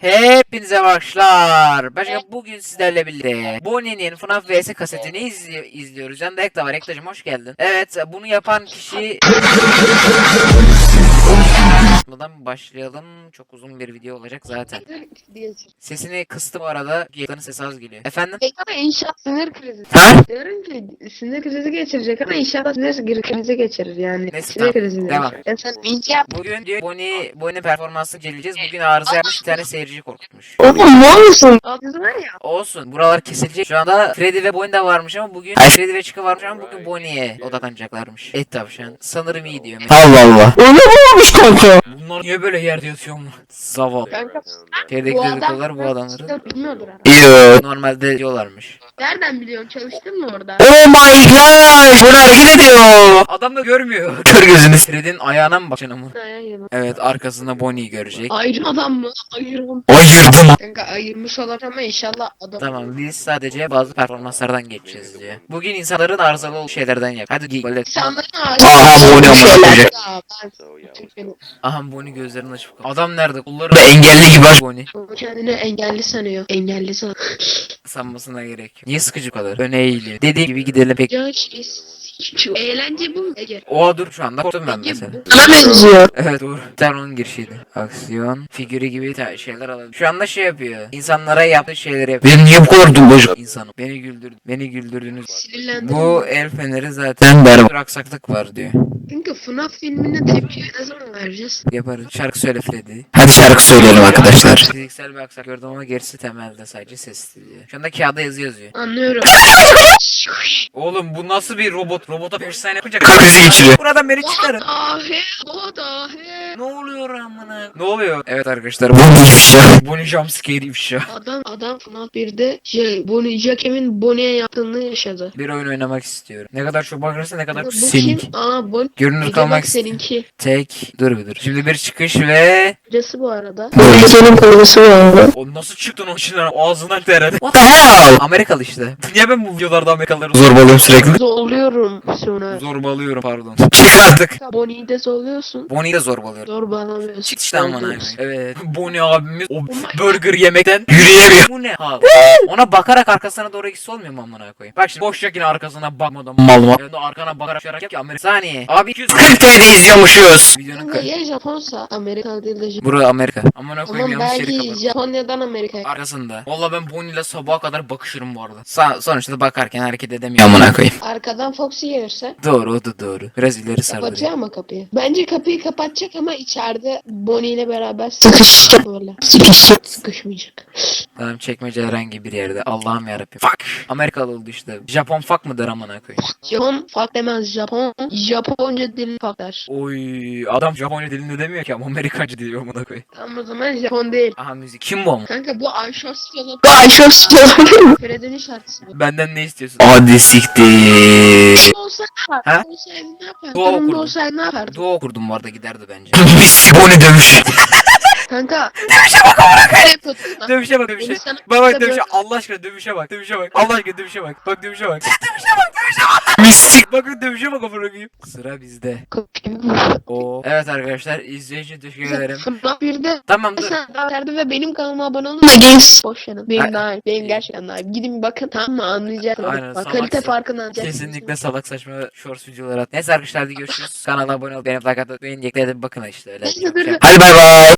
Hepinize başlar. Başka bugün sizlerle birlikte Bonnie'nin FNAF vs kasetini izliyoruz. Yanında Ekta var. Ekta'cığım hoş geldin. Evet, bunu yapan kişi... Buradan başlayalım. Çok uzun bir video olacak zaten. Sesini kıstım bu arada. Ekta'nın sesi az geliyor. Efendim? Ama inşaat sinir krizi. Ha? Diyorum ki sinir krizi geçirecek ama inşaat sinir krizi geçirir yani. Neyse, Sinir tamam. krizi. Devam. Sen ince yap. Bugün diyor Bonnie performansını inceleyeceğiz. Bugün arıza yapmış, bir tane seyirci korkutmuş. Oğlum ne olursun? Ağzı var ya. Olsun. Buralar kesilecek. Şu anda Freddy ve Bonnie de varmış ama bugün... Hayır, Freddy ve Chica varmış ama bugün Bonnie'ye odaklanacaklarmış. Et tavşan. Sanırım iyi diyor. Allah Allah. Öyle mi olmuş kanka? Bunlar niye böyle yerde yatıyor mu? Zavallı. Kanka Şeydeki dedikodular bu adamları. bilmiyordur ha. Yo. Normalde diyorlarmış. Nereden biliyorsun? Çalıştın mı orada? Oh my god. Bunu hareket ediyor. Adam da görmüyor. Kör gözünü. Freddy'nin ayağına mı bakacaksın ama? Hayır. Evet, arkasında Bonnie'yi görecek. Ayrı adam mı? Ayırım. Ayırdım. Kanka ayırmış olabilir ama inşallah adam. Tamam, biz sadece bazı performanslardan geçeceğiz diyor. Bugün insanların arızalı olduğu şeylerden yap. Hadi git. Böyle. İnsanların Aha bu ne amına. Aha, Bonnie gözlerini açıp kalk. Adam nerede? Kulları Engelli gibi aç. Bonnie. Kendini engelli sanıyor. Engelli sanıyor. Sanmasına gerek yok. Niye sıkıcı bu kadar? Öne eğiliyor. Dediğim gibi gidelim pek. Ya şu eğlence bu mu Ege? Oha, dur, şu anda korktum ben mesela. Sana benziyor. Evet, doğru. Bir tane onun girişiydi. Aksiyon, figürü gibi şeyler alalım. Şu anda şey yapıyor. İnsanlara yaptığı şeyleri yapıyor. Benim niye bu kadar dumbacık? İnsanım. Beni güldürdünüz. Sinirlendim. Bu el feneri zaten bir aksaklık var diyor. Çünkü FNAF filmine tepki ne zaman vereceğiz? Yaparız. Şarkı söyle Freddy. Hadi şarkı söyleyelim arkadaşlar. Fiziksel bir aksak gördüm ama gerisi temelde, sadece sesli diyor. Şu anda kağıda yazıyor. Anlıyorum. Oğlum, bu nasıl bir robot? Robota 5 saniye yapacak. Kalp krizi geçiriyor. Buradan beni çıkarın. O dahi. Ne oluyor amına? Ne oluyor? Evet arkadaşlar, Bu ne ifşa? Bonnie jumpscare ifşa. Adam FNAF 1'de Bonnie Jack'in Bonnie'ye yaptığını yaşadı. Bir oyun oynamak istiyorum. Ne kadar çok bakarsa ne kadar Bu seninki. kim? Bonnie. Görünür Ege kalmak bak seninki. Tek. Dur bir dur. Şimdi bir çıkış ve... Kocası bu arada. Senin kocası var. O nasıl çıktın o içinden? Ağzından teredi. What the hell? Amerikalı işte. Niye ben bu videolarda Amerikalıları Zorbalıyorum sürekli. Zorluyorum sonra. zorbalıyorum, pardon. Çık artık. Bonnie'yi de zorluyorsun. Bonnie'yi de zorbalıyorum. Zorbalamıyorsun. Çık işte amına koyayım. Zorluyorsun. Evet. Bonnie abimiz o my burger yemekten Yürüyemiyor. bu ne abi? Ona bakarak arkasına doğru gitse olmuyor mu amına koyayım? Bak şimdi boş yine arkasına bakmadan. Mal mal. Yani arkana bakarak yap ki Amerika. Saniye. Abi 200 40 TL'de izliyormuşuz. videonun Kanka ya Japonsa Amerika değil de Japon. Burası Amerika. Amına koyayım, Ama yanlış yeri belki kapattım. Japonya'dan Amerika'ya. Arkasında. Valla ben Bonnie'yle sabaha kadar bakışırım bu arada. Sonuçta bakarken hareket edemiyorum amına koyayım. Arkadan Foxy gelirse Doğru, o da doğru. Biraz ileri sardı. kapatıyor ama kapıyı. Bence kapıyı kapatacak ama içeride Bonnie ile beraber sıkışacak böyle. Sıkışmayacak. Tamam, çekmece herhangi bir yerde. Allah'ım yarabbim. Fuck. Amerikalı oldu işte. Japon fuck mı der amına koyayım. Japon fuck demez. Japonca dilini fuck der. Oy, adam Japonya dilinde demiyor ki ama Amerikancı diyor amına koyayım. Tamam o zaman Japon değil. Aha, müzik. Kim bu ama? Kanka bu Ayşos yolu. Bu Ayşos yolu. Freddy'nin şarkısı bu. Benden ne istiyorsun? Hadi siktir. Olsa Ha? ne yapar? Olsaydı ne yapar? Dua Durumda okurdum. olsaydı ne yapar? Dua okurdum bu arada, giderdi bence. Biz Bonnie dövüş. Kanka. Dövüşe bak amına koyayım. Ne yapıyorsun lan? Dövüşe bak, dövüşe. Beni sana- Bak Böyle- dövüşe. Allah aşkına dövüşe bak. Dövüşe bak. Allah aşkına dövüşe bak. Bak dövüşe bak. Dövüşe bak. Dövüşe bak. Mistik. Bakın dövüşe bak amına koyayım. Sıra bizde. Oo. Evet arkadaşlar, izleyiciye teşekkür ederim. FNAF 1'de Tamam, dur. sen daha verdi ve benim kanalıma abone olun ve genç. Boş yanım. Benim daha iyi. Benim gerçekten daha iyi. Gidin bakın, tamam mı, anlayacaksınız. Aynen, Bak salak kalite sen. farkını anlayacaksınız. Kesinlikle salak saçma shorts videolar at. Neyse arkadaşlar, hadi görüşürüz. Kanala abone ol. Benim like atmayı, beğeni, bakın işte öyle. Neyse, dur, dur. Hadi bay bay.